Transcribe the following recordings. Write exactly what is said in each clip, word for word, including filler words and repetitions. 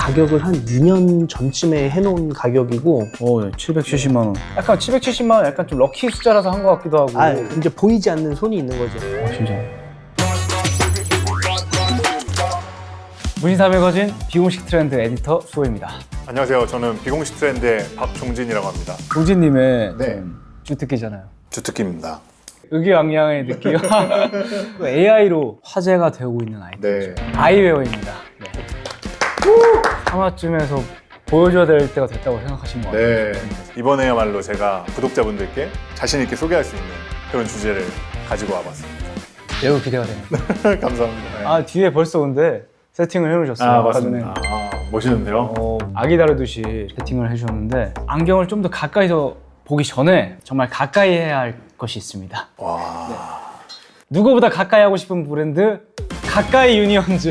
가격을 한 이 년 전쯤에 해놓은 가격이고 오, 네. 칠백칠십만 원. 약간 칠백칠십만 원 약간 좀 럭키 숫자라서 한 것 같기도 하고. 아 이제 보이지 않는 손이 있는 거죠. 어, 진짜. 무신사 매거진 비공식 트렌드 에디터 수호입니다. 안녕하세요. 저는 비공식 트렌드의 박종진이라고 합니다. 종진님의 네. 좀 주특기잖아요. 주특기입니다. 의기양양의 느낌. 에이아이로 화제가 되고 있는 아이템이죠. 네. 아이웨어입니다. 네. 삼 화쯤에서 보여줘야 될 때가 됐다고 생각하신 것 같아요. 네. 이번에야말로 제가 구독자분들께 자신 있게 소개할 수 있는 그런 주제를 가지고 와봤습니다. 매우 기대가 됩니다. 감사합니다. 네. 아, 뒤에 벌써 근데 세팅을 해놓으셨어요. 아, 아까 맞습니다. 전에. 아, 멋있는데요? 어, 아기 다루듯이 세팅을 해주셨는데 안경을 좀 더 가까이서 보기 전에 정말 가까이 해야 할 것이 있습니다. 와. 누구보다 가까이 하고 싶은 브랜드 가까이 유니언즈.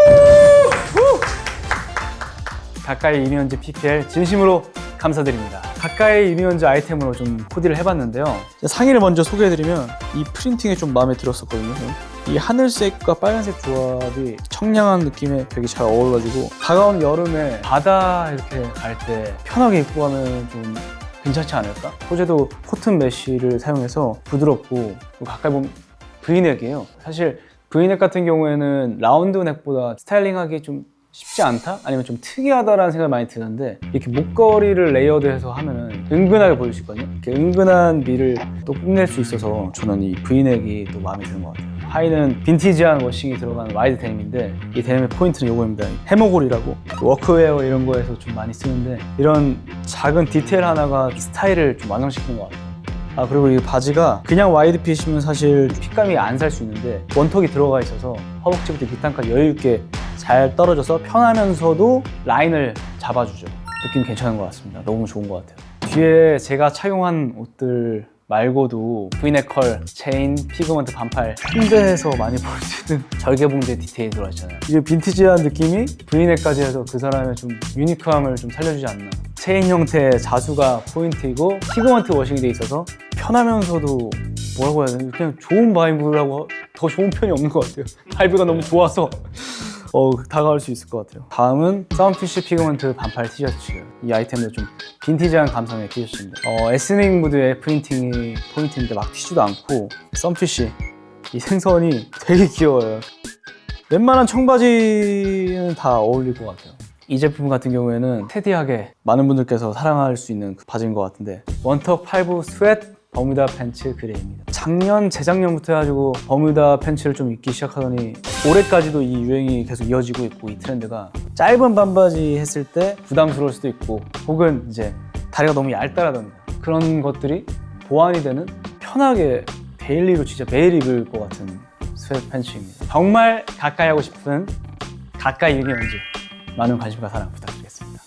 가까이 유니언즈 피피엘 진심으로 감사드립니다. 가까이 유니언즈 아이템으로 좀 코디를 해봤는데요. 상의를 먼저 소개해드리면 이 프린팅이 좀 마음에 들었었거든요. 이 하늘색과 빨간색 조합이 청량한 느낌에 되게 잘 어울러지고 다가오는 여름에 바다 이렇게 갈 때 편하게 입고 가면 좀 괜찮지 않을까? 소재도 코튼 메쉬를 사용해서 부드럽고 가까이 보면 브이넥이에요. 사실 브이넥 같은 경우에는 라운드 넥보다 스타일링하기 좀 쉽지 않다? 아니면 좀 특이하다라는 생각이 많이 드는데 이렇게 목걸이를 레이어드해서 하면은 은근하게 보일 수 있거든요. 이렇게 은근한 미를 또 뽐낼 수 있어서 저는 이 브이넥이 또 마음에 드는 것 같아요. 하의는 빈티지한 워싱이 들어간 와이드 데님인데 이 데님의 포인트는 이거입니다. 해모골이라고 워크웨어 이런 거에서 좀 많이 쓰는데 이런 작은 디테일 하나가 스타일을 좀 완성시키는 것 같아요. 아 그리고 이 바지가 그냥 와이드 핏이면 사실 핏감이 안 살 수 있는데 원턱이 들어가 있어서 허벅지부터 밑단까지 여유 있게 잘 떨어져서 편하면서도 라인을 잡아주죠. 느낌 괜찮은 것 같습니다. 너무 좋은 것 같아요. 뒤에 제가 착용한 옷들 말고도 브이넥 컬, 체인, 피그먼트 반팔 홍대에서 많이 볼 수 있는 절개봉제 디테일이 들어있잖아요. 이게 빈티지한 느낌이 브이넥까지 해서 그 사람의 좀 유니크함을 좀 살려주지 않나. 체인 형태의 자수가 포인트이고 피그먼트 워싱이 돼 있어서 편하면서도 뭐라고 해야 되나 그냥 좋은 바이브라고 더 좋은 표현이 없는 것 같아요. 바이브가 너무 좋아서 어, 다가올 수 있을 것 같아요. 다음은 썬피쉬 피그먼트 반팔 티셔츠예요. 이 아이템도 좀 빈티지한 감성의 티셔츠입니다. 어, 에스닉 무드의 프린팅이 포인트인데 막 튀지도 않고 썬피쉬 이 생선이 되게 귀여워요. 웬만한 청바지는 다 어울릴 것 같아요. 이 제품 같은 경우에는 테디하게 많은 분들께서 사랑할 수 있는 그 바지인 것 같은데 원턱 팔부 스웨트 버뮤다 팬츠 그레이입니다. 작년, 재작년부터 해가지고 버뮤다 팬츠를 좀 입기 시작하더니 올해까지도 이 유행이 계속 이어지고 있고 이 트렌드가 짧은 반바지 했을 때 부담스러울 수도 있고 혹은 이제 다리가 너무 얇다라던가 그런 것들이 보완이 되는 편하게 데일리로 진짜 매일 입을 것 같은 스웨트 팬츠입니다. 정말 가까이 하고 싶은 가까이 유니언즈 많은 관심과 사랑 부탁드리겠습니다.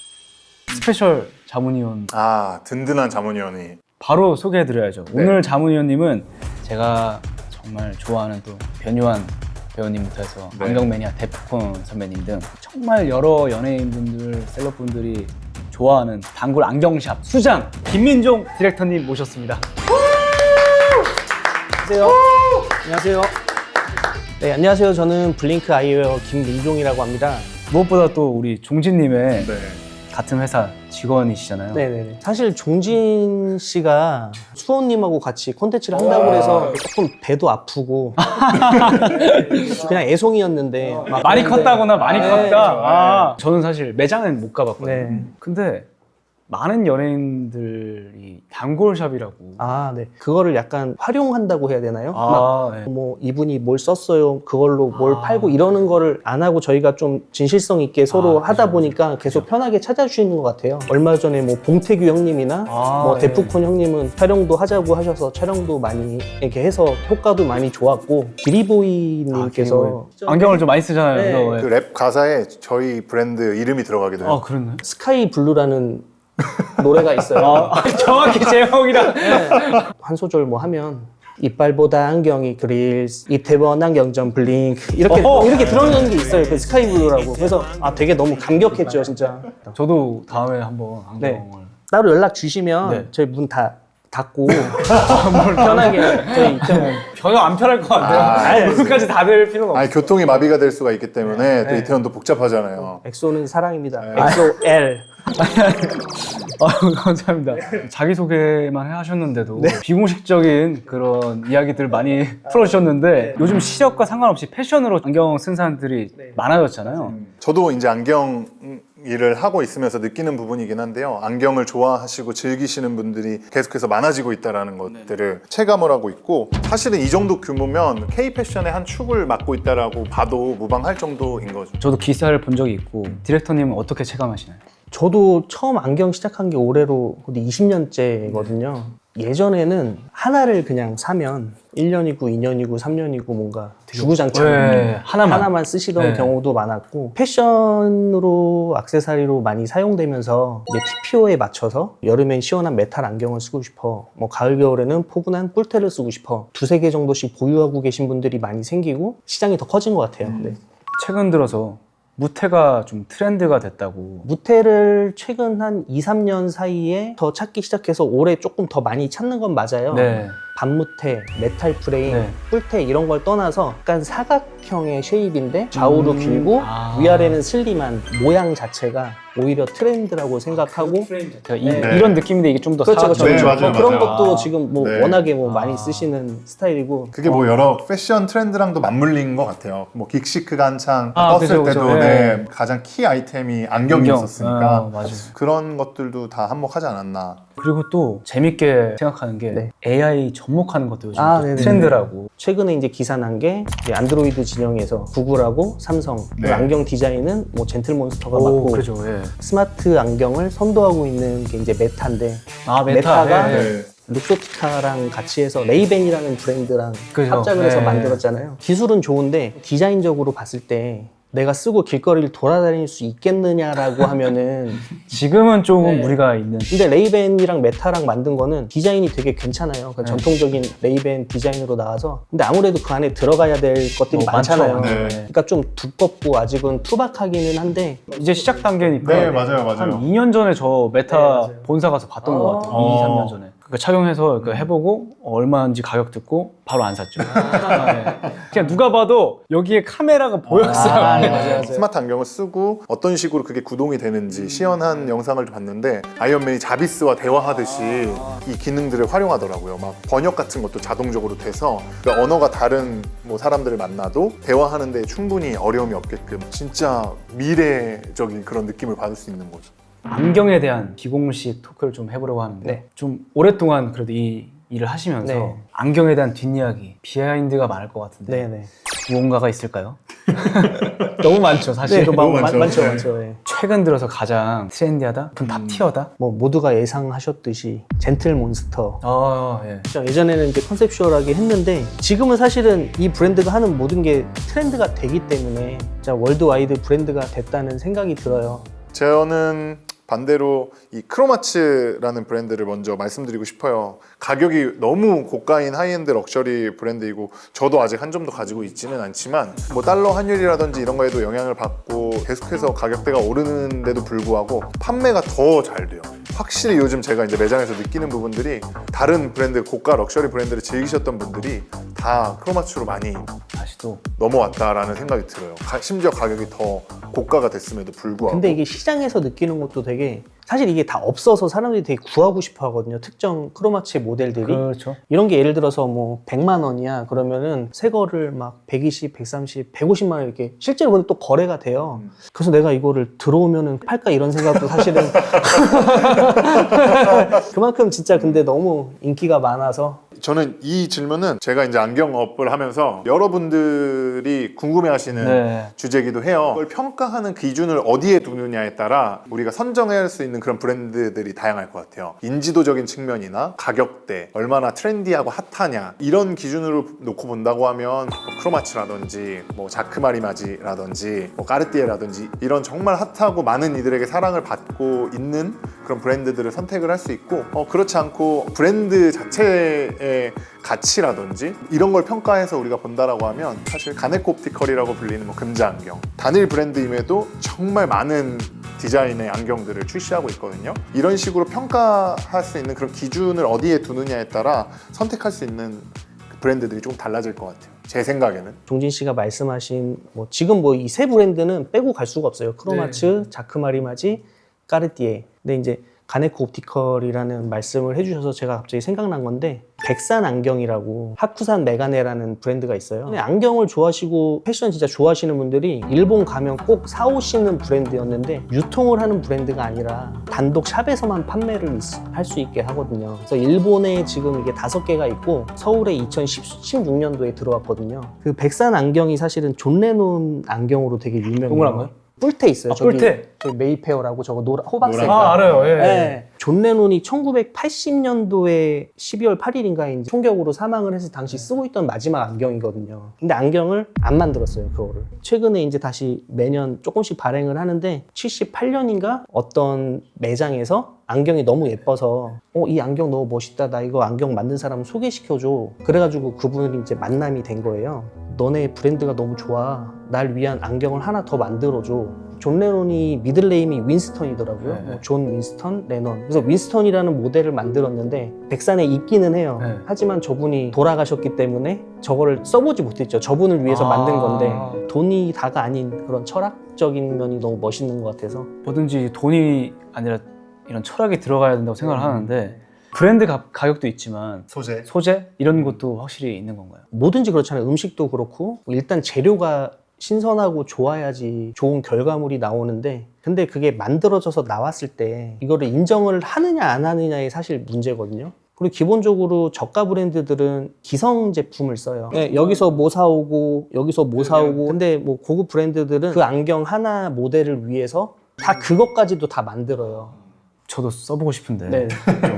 스페셜 자문위원 아, 든든한 자문위원이. 바로 소개해드려야죠. 네. 오늘 자문위원님은 제가 정말 좋아하는 또 변요한 배우님부터 해서 네. 안경 매니아 데프콘 선배님 등 정말 여러 연예인분들, 셀럽분들이 좋아하는 단골 안경샵 수장 김민종 디렉터님 모셨습니다. 안녕하세요. 안녕하세요. 네, 안녕하세요. 저는 블링크 아이웨어 김민종이라고 합니다. 무엇보다 또 우리 종진님의 네. 같은 회사 직원이시잖아요. 네네. 사실 종진 씨가 수호님하고 같이 콘텐츠를 한다고 해서 조금 배도 아프고 그냥 애송이였는데 막 많이 그런데- 컸다거나 많이 네. 컸다. 아, 저는 사실 매장은 못 가봤거든요. 네. 근데 많은 연예인들이 단골샵이라고. 아, 네. 그거를 약간 활용한다고 해야 되나요? 막 아, 네. 뭐 이분이 뭘 썼어요, 그걸로 뭘 아. 팔고 이러는 거를 안 하고 저희가 좀 진실성 있게 서로 아, 하다 그죠, 보니까 계속 편하게 찾아주시는 것 같아요. 얼마 전에 뭐 봉태규 형님이나 아, 뭐 네. 데프콘 형님은 촬영도 하자고 하셔서 촬영도 많이 이렇게 해서 효과도 많이 좋았고 기리보이님께서 안경을 좀 많이 쓰잖아요. 네. 그래서 왜- 그 랩 가사에 저희 브랜드 이름이 들어가기도 해요. 아, 그랬나요? 스카이 블루라는 노래가 있어요. 아, 정확히 제목이랑. 한 소절 뭐 하면 이빨보다 안경이 그릴 이태원 안경점 블링크 이렇게 어허. 이렇게 들어가는 게 있어요. 그 스카이 블루라고. 그래서 아 되게 너무 감격했죠, 진짜. 저도 다음에 한번 안경을. 네. 따로 연락 주시면 네. 저희 문 다 닫고 편하게 저희 입장을 전혀 안 편할 것 같아요. 아, 오늘까지 닫을 필요가 없어요. 아니 교통이 마비가 될 수가 있기 때문에 또 네. 이태원도 복잡하잖아요. 엑소는 사랑입니다. 네. 엑소 L. 아유, 감사합니다. 자기소개만 하셨는데도 비공식적인 그런 이야기들 많이 풀어주셨는데 요즘 시력과 상관없이 패션으로 안경 쓴 사람들이 많아졌잖아요. 저도 이제 안경 일을 하고 있으면서 느끼는 부분이긴 한데요. 안경을 좋아하시고 즐기시는 분들이 계속해서 많아지고 있다는 것들을 체감을 하고 있고, 사실은 이 정도 규모면 K-패션의 한 축을 맡고 있다라고 봐도 무방할 정도인 거죠. 저도 기사를 본 적이 있고 디렉터님은 어떻게 체감하시나요? 저도 처음 안경 시작한 게 올해로 이십 년째거든요. 예전에는 하나를 그냥 사면 일 년이고 이 년이고 삼 년이고 뭔가 주구장창 네, 하나만. 하나만 쓰시던 네. 경우도 많았고, 패션으로 액세서리로 많이 사용되면서 이제 티피오에 맞춰서 여름엔 시원한 메탈 안경을 쓰고 싶어, 뭐 가을 겨울에는 포근한 뿔테를 쓰고 싶어, 두세 개 정도씩 보유하고 계신 분들이 많이 생기고 시장이 더 커진 것 같아요. 네. 최근 들어서 무태가 좀 트렌드가 됐다고. 무테를 최근 한 이, 삼 년 사이에 더 찾기 시작해서 올해 조금 더 많이 찾는 건 맞아요. 네. 반무테, 메탈 프레임, 네. 뿔테 이런 걸 떠나서 약간 사각형의 쉐입인데 좌우로 음, 길고 아. 위아래는 슬림한 모양 자체가 오히려 트렌드라고 생각하고, 제가 이, 네. 이런 느낌인데 이게 좀 더 그렇죠, 그렇죠. 네, 그렇죠. 맞아요, 뭐 그런 맞아요. 것도 아. 지금 뭐 네. 워낙에 뭐 아. 많이 쓰시는 스타일이고. 그게 뭐 여러 패션 트렌드랑도 맞물린 것 같아요. 뭐 긱시크가 한창 아, 떴을 그죠, 때도 그죠. 네, 네. 가장 키 아이템이 안경이었었으니까 안경. 아, 맞아요. 그런 것들도 다 한몫하지 않았나. 그리고 또 재밌게 생각하는 게 네. 에이아이 접목하는 것도 요즘 아, 또 네네. 트렌드라고. 최근에 이제 기사 난 게 안드로이드 진영에서 구글하고 삼성, 네. 그 안경 디자인은 뭐 젠틀몬스터가 오, 맡고, 그렇죠. 예. 스마트 안경을 선도하고 있는 게 이제 메타인데, 아, 메타. 메타가 예, 예. 네. 룩소티카랑 같이 해서 레이벤이라는 브랜드랑 그죠. 합작을 해서 네. 만들었잖아요. 기술은 좋은데 디자인적으로 봤을 때 내가 쓰고 길거리를 돌아다닐 수 있겠느냐라고 하면은 지금은 조금 네. 무리가 있는. 근데 레이벤이랑 메타랑 만든 거는 디자인이 되게 괜찮아요. 그러니까 네. 전통적인 레이벤 디자인으로 나와서. 근데 아무래도 그 안에 들어가야 될 것들이 뭐 많잖아요. 많죠. 네. 그러니까 좀 두껍고 아직은 투박하기는 한데, 이제 시작 단계니까. 네, 맞아요, 맞아요. 한 이 년 전에 저 메타 네, 맞아요. 본사 가서 봤던 아. 것 같아요. 어. 이, 삼 년 전에. 그러니까 착용해서 그 해보고 얼마인지 가격 듣고 바로 안 샀죠. 아, 네. 그냥 누가 봐도 여기에 카메라가 보였어요. 아, 네, 맞아요, 맞아요. 스마트 안경을 쓰고 어떤 식으로 그게 구동이 되는지 시연한 영상을 봤는데, 아이언맨이 자비스와 대화하듯이 이 기능들을 활용하더라고요. 막 번역 같은 것도 자동적으로 돼서, 그러니까 언어가 다른 뭐 사람들을 만나도 대화하는데 충분히 어려움이 없게끔 진짜 미래적인 그런 느낌을 받을 수 있는 거죠. 안경에 대한 비공식 토크를 좀 해보려고 하는데 네. 좀 오랫동안 그래도 이 일을 하시면서 네. 안경에 대한 뒷이야기, 비하인드가 많을 것 같은데 네네. 무언가가 있을까요? 너무 많죠, 사실. 네, 그 너무 많, 많죠. 많죠, 네. 많죠. 네. 최근 들어서 가장 트렌디하다? 그럼 탑티어다? 뭐 모두가 예상하셨듯이 젠틀몬스터. 아, 예. 진짜 예전에는 이제 컨셉슈얼하게 했는데, 지금은 사실은 이 브랜드가 하는 모든 게 트렌드가 되기 때문에 진짜 월드와이드 브랜드가 됐다는 생각이 들어요. 저는 반대로 이 크로마츠라는 브랜드를 먼저 말씀드리고 싶어요. 가격이 너무 고가인 하이엔드 럭셔리 브랜드이고, 저도 아직 한 점도 가지고 있지는 않지만 뭐 달러 환율이라든지 이런 거에도 영향을 받고 계속해서 가격대가 오르는데도 불구하고 판매가 더 잘 돼요. 확실히 요즘 제가 이제 매장에서 느끼는 부분들이, 다른 브랜드, 고가 럭셔리 브랜드를 즐기셨던 분들이 다 크로마츠로 많이 다시 또 넘어왔다라는 생각이 들어요. 가- 심지어 가격이 더 고가가 됐음에도 불구하고. 근데 이게 시장에서 느끼는 것도 되게, 사실 이게 다 없어서 사람들이 되게 구하고 싶어 하거든요. 특정 크로마츠의 모델들이. 그렇죠. 이런 게 예를 들어서 뭐 백만 원이야 그러면은 새 거를 막 백이십, 백삼십, 백오십만 원 이렇게 실제로 근데 또 거래가 돼요. 음. 그래서 내가 이거를 들어오면은 팔까 이런 생각도 사실은 그만큼 진짜 근데 너무 인기가 많아서. 저는 이 질문은 제가 이제 안경업을 하면서 여러분들이 궁금해하시는 네. 주제이기도 해요. 그걸 평가하는 기준을 어디에 두느냐에 따라 우리가 선정할 수 있는 그런 브랜드들이 다양할 것 같아요. 인지도적인 측면이나 가격대, 얼마나 트렌디하고 핫하냐, 이런 기준으로 놓고 본다고 하면 뭐 크로마츠라든지 뭐 자크마리마지라든지 뭐 까르띠에라든지 이런 정말 핫하고 많은 이들에게 사랑을 받고 있는 그런 브랜드들을 선택을 할 수 있고, 어, 그렇지 않고 브랜드 자체의 가치라든지 이런 걸 평가해서 우리가 본다라고 하면, 사실 가네코 옵티컬이라고 불리는 뭐 금자 안경, 단일 브랜드임에도 정말 많은 디자인의 안경들을 출시하고 있거든요. 이런 식으로 평가할 수 있는 그런 기준을 어디에 두느냐에 따라 선택할 수 있는 브랜드들이 조금 달라질 것 같아요. 제 생각에는. 종진 씨가 말씀하신 뭐 지금 뭐 이 세 브랜드는 빼고 갈 수가 없어요. 크로마츠, 네. 자크마리마지, 까르띠에. 근데 이제 가네코 옵티컬이라는 말씀을 해주셔서 제가 갑자기 생각난 건데 백산 안경이라고 하쿠산 메가네라는 브랜드가 있어요. 근데 안경을 좋아하시고 패션 진짜 좋아하시는 분들이 일본 가면 꼭 사오시는 브랜드였는데 유통을 하는 브랜드가 아니라 단독 샵에서만 판매를 할 수 있게 하거든요. 그래서 일본에 지금 이게 다섯 개가 있고 서울에 이천십육 년도에 들어왔거든요. 그 백산 안경이 사실은 존 레논 안경으로 되게 유명해요. 동그란가요? 뿔테 있어요. 아, 저기, 뿔테? 저기 메이페어라고 저거 노라, 호박색. 아, 알아요. 예. 네. 존 레논이 천구백팔십 년도에 십이월 팔일인가에 이제 총격으로 사망을 해서 당시 쓰고 있던 마지막 안경이거든요. 근데 안경을 안 만들었어요, 그거를. 최근에 이제 다시 매년 조금씩 발행을 하는데 칠십팔 년인가 어떤 매장에서 안경이 너무 예뻐서 어, 이 안경 너무 멋있다. 나 이거 안경 만든 사람 소개시켜줘. 그래가지고 그분이 이제 만남이 된 거예요. 너네 브랜드가 너무 좋아. 날 위한 안경을 하나 더 만들어줘. 존 레논이 미들네임이 윈스턴이더라고요. 네. 뭐 존 윈스턴 레논. 그래서 윈스턴이라는 모델을 만들었는데 백산에 있기는 해요. 네. 하지만 저분이 돌아가셨기 때문에 저거를 써보지 못했죠. 저분을 위해서 아. 만든 건데 돈이 다가 아닌 그런 철학적인 면이 너무 멋있는 것 같아서. 뭐든지 돈이 아니라 이런 철학이 들어가야 된다고 생각을 하는데 브랜드 가, 가격도 있지만 소재. 소재 이런 것도 확실히 있는 건가요? 뭐든지 그렇잖아요. 음식도 그렇고 일단 재료가 신선하고 좋아야지 좋은 결과물이 나오는데 근데 그게 만들어져서 나왔을 때 이거를 인정을 하느냐 안 하느냐의 사실 문제거든요. 그리고 기본적으로 저가 브랜드들은 기성 제품을 써요. 네, 여기서 뭐 사오고 여기서 뭐 사오고 근데 뭐 고급 브랜드들은 그 안경 하나 모델을 위해서 다 그것까지도 다 만들어요. 저도 써보고 싶은데 네.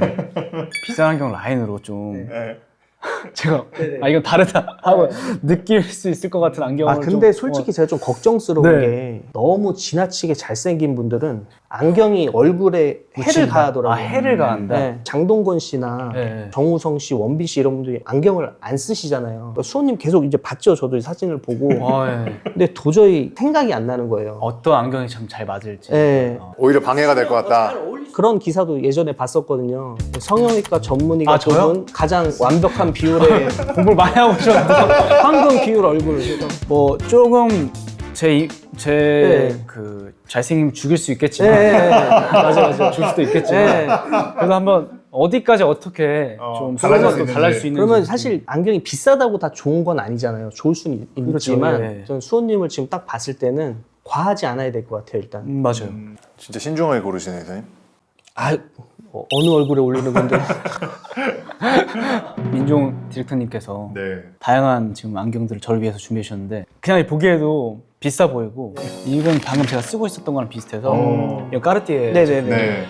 좀 비싼 안경 라인으로 좀 네. 제가 네네. 아 이건 다르다 하고 느낄 수 있을 것 같은 안경을 아 근데 좀, 솔직히 제가 좀 걱정스러운 네. 게 너무 지나치게 잘생긴 분들은 안경이 얼굴에 해를 묻힌다. 가하더라고요. 아 해를 가한다. 네. 장동건 씨나 네. 정우성 씨, 원빈 씨 이런 분들이 안경을 안 쓰시잖아요. 그러니까 수호님 계속 이제 봤죠. 저도 사진을 보고. 아, 예. 근데 도저히 생각이 안 나는 거예요. 어떤 안경이 참 잘 맞을지. 네. 어. 오히려 방해가 될 것 같다. 그런 기사도 예전에 봤었거든요. 성형외과 전문의가 아, 저요? 뽑은 가장 완벽한 비율의 공부를 많이 하고 오셨는데 황금 비율 얼굴. 뭐 조금 제 제 네. 그 잘생김 죽일 수 있겠지만 네, 네, 네. 맞아 맞아. 줄 수도 있겠지만 네. 그래서 한번 어디까지 어떻게 어, 좀 달라질 달라질 수 수, 있는지. 달라질 수 있는지 그러면 사실 안경이 비싸다고 다 좋은 건 아니잖아요. 좋을 수는 있- 그렇죠, 있지만 예. 저는 수호님을 지금 딱 봤을 때는 과하지 않아야 될 것 같아요. 일단. 음, 맞아요. 음, 진짜 신중하게 고르시네요, 선생님. 아 어, 어느 얼굴에 올리는 건데. 민종 디렉터님께서 네. 다양한 지금 안경들을 저를 위해서 준비해 주셨는데 그냥 보기에도 비싸 보이고 이건 방금 제가 쓰고 있었던 거랑 비슷해서 어. 이거 까르띠에 네네네. 네.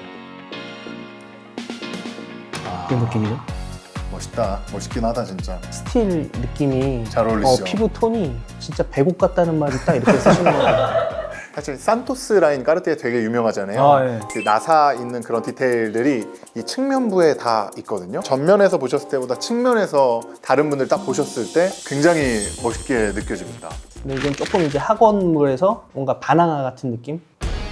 이런 느낌이죠. 멋있다. 멋있긴 하다, 진짜. 스틸 느낌이 잘 어, 어울리시죠? 피부 톤이 진짜 배곡 같다는 말이 딱 이렇게 쓰시는 거예요. 사실 산토스 라인 까르띠에 되게 유명하잖아요. 아, 예. 그 나사 있는 그런 디테일들이 이 측면부에 다 있거든요. 전면에서 보셨을 때보다 측면에서 다른 분들 딱 보셨을 때 굉장히 멋있게 느껴집니다. 근데 이건 조금 이제 학원물에서 뭔가 바나나 같은 느낌?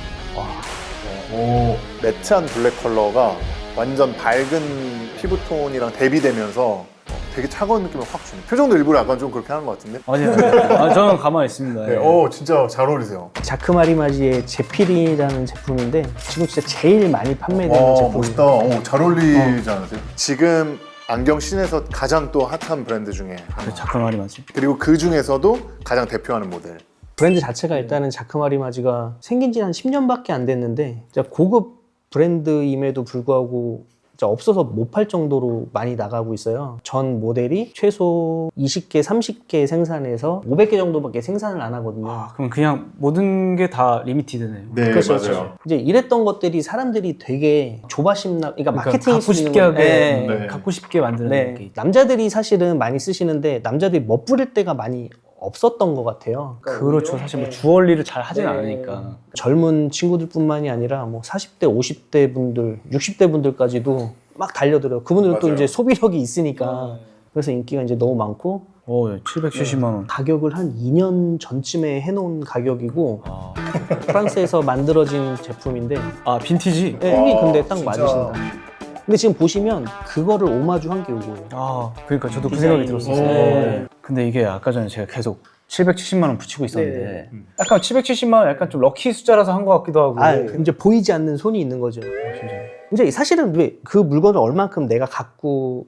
오, 매트한 블랙 컬러가 완전 밝은 피부톤이랑 대비되면서 되게 차가운 느낌을 확 주네. 표정도 일부러 약간 좀 그렇게 하는 것 같은데? 아니요. 아, 저는 가만히 있습니다. 네, 예. 오, 진짜 잘 어울리세요. 자크마리마지의 제필이라는 제품인데 지금 진짜 제일 많이 판매되는 와, 제품이에요. 멋있다. 오, 잘 어울리지 않으세요? 지금 안경 씬에서 가장 또 핫한 브랜드 중에 하나. 자크 말이 맞지. 그리고 그 중에서도 가장 대표하는 모델. 브랜드 자체가 일단은 자크마리마지가 생긴 지 한 십 년밖에 안 됐는데 진짜 고급 브랜드임에도 불구하고 진짜 없어서 못 팔 정도로 많이 나가고 있어요. 전 모델이 최소 이십 개, 삼십 개 생산해서 오백 개 정도밖에 생산을 안 하거든요. 아, 그럼 그냥 모든 게 다 리미티드네요. 네, 그렇죠, 맞아요. 그렇죠. 이제 이랬던 것들이 사람들이 되게 조바심나, 그러니까, 그러니까 마케팅이 갖고 쓰는 싶게 건- 하게, 네. 네. 갖고 싶게 만드는 네. 게 있죠. 남자들이 사실은 많이 쓰시는데 남자들이 멋부릴 때가 많이 없었던 것 같아요. 그렇죠. 사실 뭐 주얼리를 잘 하진 네. 않으니까. 젊은 친구들뿐만이 아니라 뭐 사십 대, 오십 대 분들, 육십 대 분들까지도 막 달려들어요. 그분들은 또 맞아요. 이제 소비력이 있으니까 그래서 인기가 이제 너무 많고 오, 칠백칠십만 원. 가격을 한 이 년 전쯤에 해놓은 가격이고 아, 프랑스에서 만들어진 제품인데 아 빈티지? 네, 이게 와, 근데 딱 진짜. 맞으신다. 근데 지금 보시면 그거를 오마주한 게 이거예요. 아 그러니까 저도 그 디자인이. 생각이 들었었어요. 오. 네. 근데 이게 아까 전에 제가 계속 칠백칠십만 원 붙이고 있었는데 네. 약간 칠백칠십만 원 약간 좀 럭키 숫자라서 한 것 같기도 하고. 아, 이제 보이지 않는 손이 있는 거죠. 진짜. 이제 사실은 왜 그 물건을 얼만큼 내가 갖고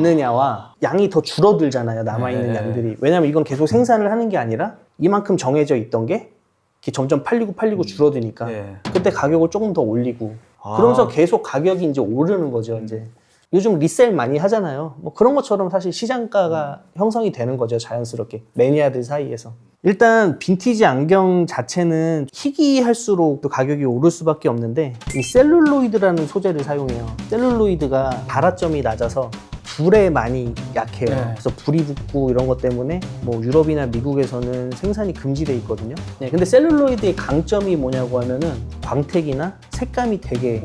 있느냐와 양이 더 줄어들잖아요. 남아있는 네. 양들이. 왜냐면 이건 계속 생산을 하는 게 아니라 이만큼 정해져 있던 게 이렇게 점점 팔리고 팔리고 줄어드니까 네. 그때 가격을 조금 더 올리고 아. 그러면서 계속 가격이 이제 오르는 거죠. 이제 요즘 리셀 많이 하잖아요. 뭐 그런 것처럼 사실 시장가가 형성이 되는 거죠. 자연스럽게 매니아들 사이에서. 일단 빈티지 안경 자체는 희귀할수록 또 가격이 오를 수밖에 없는데 이 셀룰로이드라는 소재를 사용해요. 셀룰로이드가 발화점이 낮아서 불에 많이 약해요. 네. 그래서 불이 붙고 이런 것 때문에 뭐 유럽이나 미국에서는 생산이 금지돼 있거든요. 네, 근데 셀룰로이드의 강점이 뭐냐고 하면은 광택이나 색감이 되게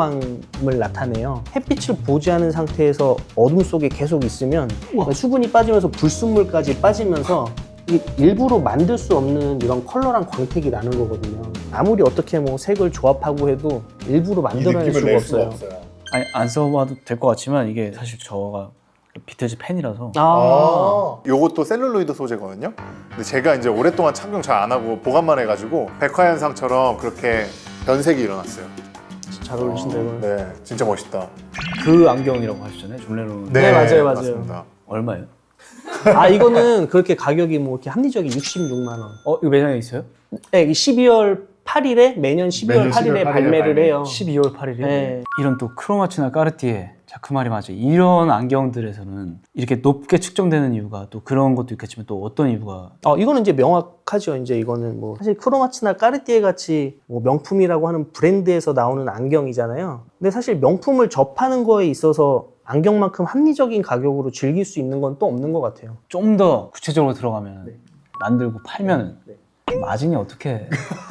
오묘함을 나타내요. 햇빛을 보지 않은 상태에서 어둠 속에 계속 있으면 수분이 빠지면서 불순물까지 빠지면서 이게 일부러 만들 수 없는 이런 컬러랑 광택이 나는 거거든요. 아무리 어떻게 뭐 색을 조합하고 해도 일부러 만들어낼 수가 없어요. 아니 안 써봐도 될 것 같지만 이게 사실 저가 비틀즈 팬이라서 아, 요것도 셀룰로이드 소재거든요. 근데 제가 이제 오랫동안 착용 잘 안 하고 보관만 해가지고 백화현상처럼 그렇게 변색이 일어났어요. 잘 어울리신다 이거는. 네, 진짜 멋있다. 그 안경이라고 하셨잖아요. 존 레논. 네, 맞아요, 맞아요. 맞습니다. 얼마예요? 아 이거는 그렇게 가격이 뭐 이렇게 합리적이 육십육만 원. 어 이거 매장에 있어요? 네, 십이월 팔일에 매년 십이월 매년 팔일에 십이월 팔일에 발매를 발매. 해요. 십이월 팔일이요? 네. 이런 또 크로마치나 까르띠에 자 그 말이 맞아요. 이런 안경들에서는 이렇게 높게 측정되는 이유가 또 그런 것도 있겠지만 또 어떤 이유가 어 이거는 이제 명확하죠. 이제 이거는 뭐 사실 크로마츠나 까르띠에 같이 뭐 명품이라고 하는 브랜드에서 나오는 안경이잖아요. 근데 사실 명품을 접하는 거에 있어서 안경만큼 합리적인 가격으로 즐길 수 있는 건 또 없는 것 같아요. 좀 더 구체적으로 들어가면 네. 만들고 팔면 네. 마진이 어떻게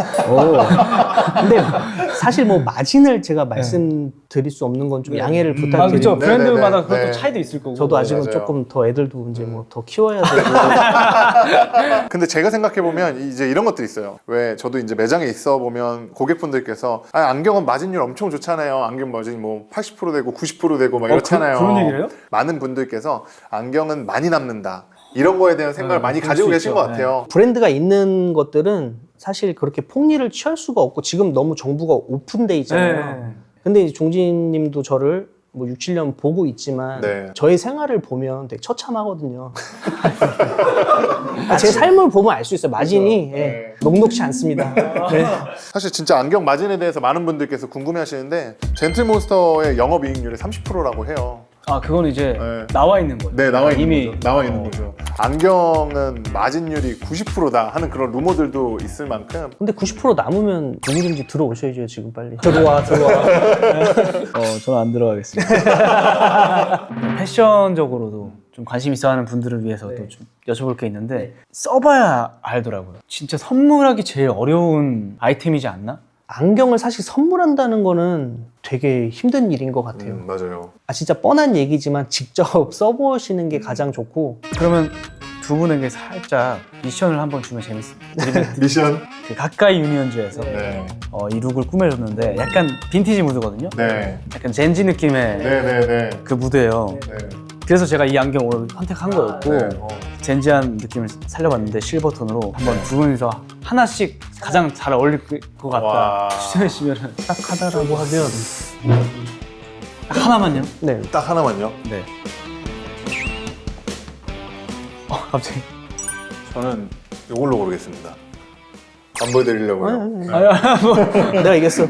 근데 사실 뭐 마진을 제가 말씀드릴 수 없는 건 좀 양해를 음, 부탁드립니다. 아 그렇죠. 네, 브랜드마다 네, 네. 그것도 네. 차이도 있을 거고 저도 아직은 맞아요. 조금 더 애들도 이제 뭐 더 키워야 되고. 근데 제가 생각해보면 이제 이런 것들이 있어요. 왜 저도 이제 매장에 있어 보면 고객분들께서 아, 안경은 마진율 엄청 좋잖아요. 안경 마진이 뭐 팔십 퍼센트 되고 구십 퍼센트 되고 막 어, 이렇잖아요. 그, 그런 얘기를 해요? 많은 분들께서 안경은 많이 남는다. 이런 거에 대한 생각을 네, 많이 그럴 가지고 수 계신 있죠. 것 같아요. 브랜드가 있는 것들은 사실 그렇게 폭리를 취할 수가 없고 지금 너무 정부가 오픈돼 있잖아요. 네. 근데 이제 종진 님도 저를 뭐 육, 칠 년 보고 있지만 네. 저의 생활을 보면 되게 처참하거든요. 아, 제 삶을 보면 알 수 있어요. 마진이 그렇죠. 예, 네. 녹록치 않습니다. 네. 사실 진짜 안경 마진에 대해서 많은 분들께서 궁금해 하시는데 젠틀몬스터의 영업이익률이 삼십 퍼센트라고 해요. 아 그건 이제 네. 나와 있는 거예요. 네, 나와 있는 이미 거죠. 나와 있는 어. 거죠. 안경은 마진율이 구십 퍼센트다 하는 그런 루머들도 있을 만큼 근데 구십 퍼센트 남으면 누구든지 들어오셔야죠. 지금 빨리. 들어와 들어와. 어, 저는 안 들어가겠습니다. 패션적으로도 좀 관심 있어 하는 분들을 위해서 네. 또 좀 여쭤볼 게 있는데 써봐야 알더라고요. 진짜 선물하기 제일 어려운 아이템이지 않나? 안경을 사실 선물한다는 거는 되게 힘든 일인 것 같아요. 음, 맞아요. 아 진짜 뻔한 얘기지만 직접 써보시는 게 가장 좋고 그러면 두 분에게 살짝 미션을 한번 주면 재밌어요. 미션. 그 가까이 유니언즈에서 네. 어, 이 룩을 꾸며줬는데 약간 빈티지 무드거든요. 네. 약간 젠지 느낌의 네, 네, 네. 그 무드예요. 네. 그래서 제가 이 안경 오늘 선택한 거였고 네. 젠지한 느낌을 살려봤는데 실버톤으로 한번 두 분이서 하나씩 가장 잘 어울릴 것 같다 와. 추천해 주시면 딱 하다라고 하면 하나만요? 네. 딱 하나만요. 네. 어 갑자기 저는 이걸로 고르겠습니다. 안 보여드리려고요. 내가 이겼어.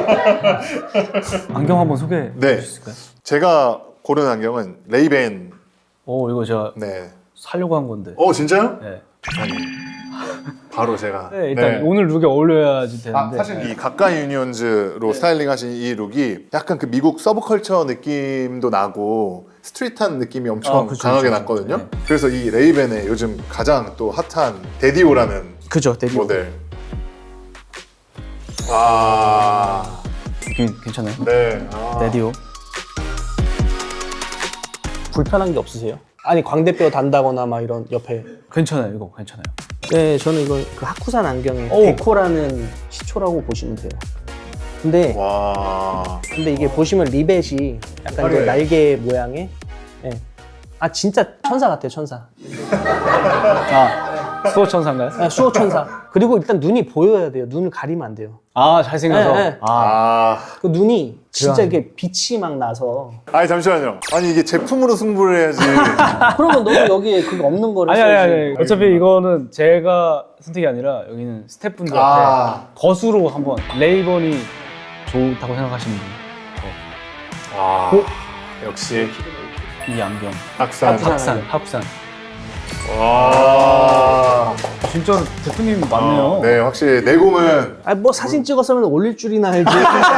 안경 한번 소개해 네. 주실까요? 제가 고른 안경은 레이벤. 오 이거 제가 네. 사려고 한 건데. 어, 진짜요? 네. 아니. 바로 제가. 네, 일단 네. 오늘 룩에 어울려야지 되는데. 아, 사실 이 가까이 유니언즈로 스타일링하신 이 룩이 약간 그 미국 서브컬처 느낌도 나고 스트릿한 느낌이 엄청 아, 그쵸, 강하게 그쵸. 났거든요. 네. 그래서 이 레이벤의 요즘 가장 또 핫한 데디오라는 그죠, 데뷔. 모델. 아, 느낌 괜찮아요. 네. 아. 데디오. 불편한 게 없으세요? 아니 광대뼈 단다거나 막 이런 옆에 괜찮아요, 이거 괜찮아요. 네, 저는 이거 그 하쿠산 안경의 오. 데코라는 시초라고 보시면 돼요. 근데 와. 근데 이게 보시면 리벳이 약간 이제 화려해요. 날개 모양의 예. 아 진짜 천사 같아요, 천사. 아, 수호천사인가요? 아, 수호 천사. 그리고 일단 눈이 보여야 돼요. 눈을 가리면 안 돼요. 아, 잘생겨서. 네, 네. 아, 아. 그 눈이 진짜 그래요. 이게 빛이 막 나서 아니 잠시만요. 아니 이게 제품으로 승부를 해야지. 그러면 너무 여기에 그거 없는 거를 아니, 아니, 써야지. 아니. 어차피 이거는 제가 선택이 아니라 여기는 스태프분들한테 아. 거수로 한번 레이번이 좋다고 생각하시는 분. 와. 어? 역시 이 안경. 학산. 학산. 합산, 합산. 와. 진짜 대표님 맞네요. 어, 네, 확실히 내공은 아, 뭐 사진 찍었으면 올릴 줄이나 알지.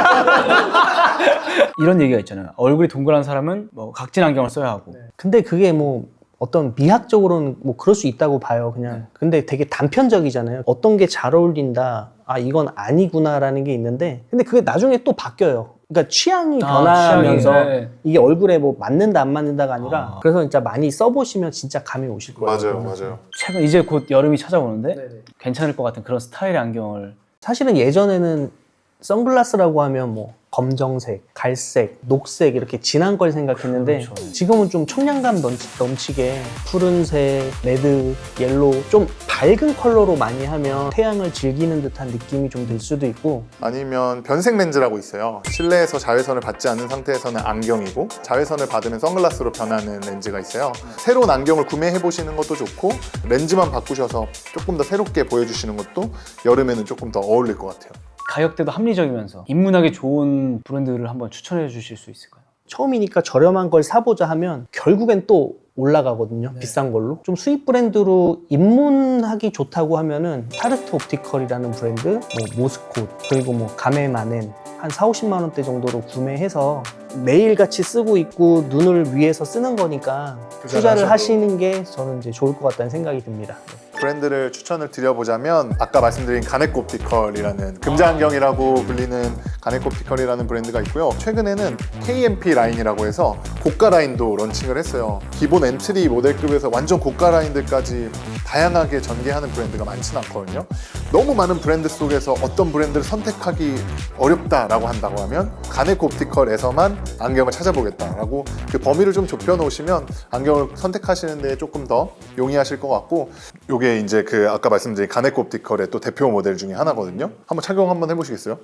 이런 얘기가 있잖아요. 얼굴이 동그란 사람은 뭐 각진 안경을 써야 하고. 근데 그게 뭐 어떤 미학적으로는 뭐 그럴 수 있다고 봐요, 그냥. 근데 되게 단편적이잖아요. 어떤 게 잘 어울린다, 아 이건 아니구나라는 게 있는데, 근데 그게 나중에 또 바뀌어요. 그러니까 취향이 아, 변하면서 취향이, 네. 이게 얼굴에 뭐 맞는다 안 맞는다가 아니라 아. 그래서 진짜 많이 써보시면 진짜 감이 오실 거예요. 맞아요, 맞아요. 최근 이제 곧 여름이 찾아오는데 네네. 괜찮을 것 같은 그런 스타일의 안경을. 사실은 예전에는 선글라스라고 하면 뭐 검정색, 갈색, 녹색 이렇게 진한 걸 생각했는데 그렇죠. 지금은 좀 청량감 넘치, 넘치게 푸른색, 레드, 옐로우 좀 밝은 컬러로 많이 하면 태양을 즐기는 듯한 느낌이 좀 들 수도 있고 아니면 변색 렌즈라고 있어요. 실내에서 자외선을 받지 않는 상태에서는 안경이고 자외선을 받으면 선글라스로 변하는 렌즈가 있어요. 새로운 안경을 구매해 보시는 것도 좋고 렌즈만 바꾸셔서 조금 더 새롭게 보여주시는 것도 여름에는 조금 더 어울릴 것 같아요. 가격대도 합리적이면서 입문하기 좋은 브랜드를 한번 추천해 주실 수 있을까요? 처음이니까 저렴한 걸 사보자 하면 결국엔 또 올라가거든요. 비싼 걸로. 좀 수입 브랜드로 입문하기 좋다고 하면은 타르트 옵티컬이라는 브랜드, 뭐 모스콧, 그리고 뭐 가메마넨 한 사오십만 원대 정도로 구매해서 매일같이 쓰고 있고 눈을 위해서 쓰는 거니까 투자를 하셔도. 하시는 게 저는 이제 좋을 것 같다는 생각이 듭니다. 브랜드를 추천을 드려보자면 아까 말씀드린 가네코 옵티컬이라는 금자안경이라고 불리는 가네코 옵티컬이라는 브랜드가 있고요. 최근에는 케이엠피 라인이라고 해서 고가 라인도 런칭을 했어요. 기본 엔트리 모델급에서 완전 고가 라인들까지 다양하게 전개하는 브랜드가 많지는 않거든요. 너무 많은 브랜드 속에서 어떤 브랜드를 선택하기 어렵다라고 한다고 하면 가네코 옵티컬에서만 안경을 찾아보겠다라고 그 범위를 좀 좁혀 놓으시면 안경을 선택하시는 데 조금 더 용이하실 것 같고, 요게 이제 그 아까 말씀드린 가네코 옵티컬의 또 대표 모델 중에 하나거든요. 한번 착용 한번 해보시겠어요?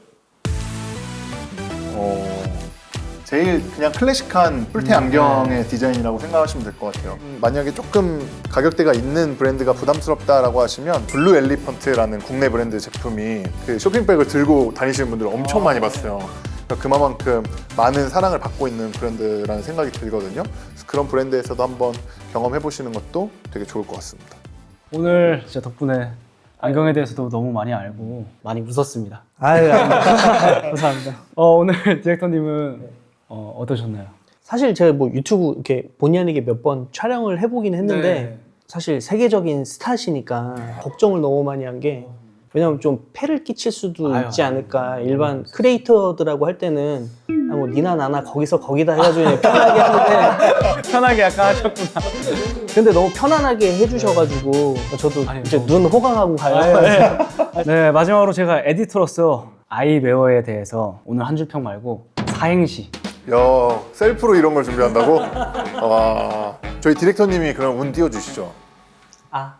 어... 제일 그냥 클래식한 뿔테 안경의 디자인이라고 생각하시면 될 것 같아요. 만약에 조금 가격대가 있는 브랜드가 부담스럽다라고 하시면 블루 엘리펀트라는 국내 브랜드 제품이 그 쇼핑백을 들고 다니시는 분들을 엄청 많이 봤어요. 그러니까 그만큼 많은 사랑을 받고 있는 브랜드라는 생각이 들거든요. 그래서 그런 브랜드에서도 한번 경험해 보시는 것도 되게 좋을 것 같습니다. 오늘 진짜 덕분에 안경에 대해서도 너무 많이 알고 많이 웃었습니다. 아유, 감사합니다. 어, 오늘 디렉터님은 어, 어떠셨나요? 사실 제가 뭐 유튜브 이렇게 본의 아니게 몇 번 촬영을 해보긴 했는데 네. 사실 세계적인 스타시니까 걱정을 너무 많이 한 게, 왜냐면 좀 폐를 끼칠 수도 아유, 있지 않을까. 일반 크리에이터들하고 할 때는 아, 뭐 니나 나나 거기서 거기다 해가지고 그냥 편하게 하는데 편하게 약간 하셨구나. 근데 너무 편안하게 해주셔가지고 저도 아니, 이제 너무- 눈 호강하고 가요. 네, 마지막으로 제가 에디터로서 아이웨어에 대해서 오늘 한 줄 평 말고 사행시. 야, 셀프로 이런 걸 준비한다고? 와, 저희 디렉터님이 그럼 운 띄워주시죠. 아,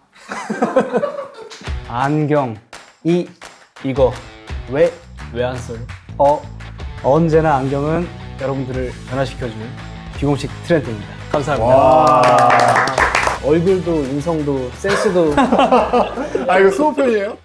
안경. 이, 이거 왜, 왜 안 써요? 어, 언제나 안경은 여러분들을 변화시켜주는 비공식 트렌드입니다. 감사합니다. 와, 얼굴도 인성도 센스도 아 이거 수호편이에요?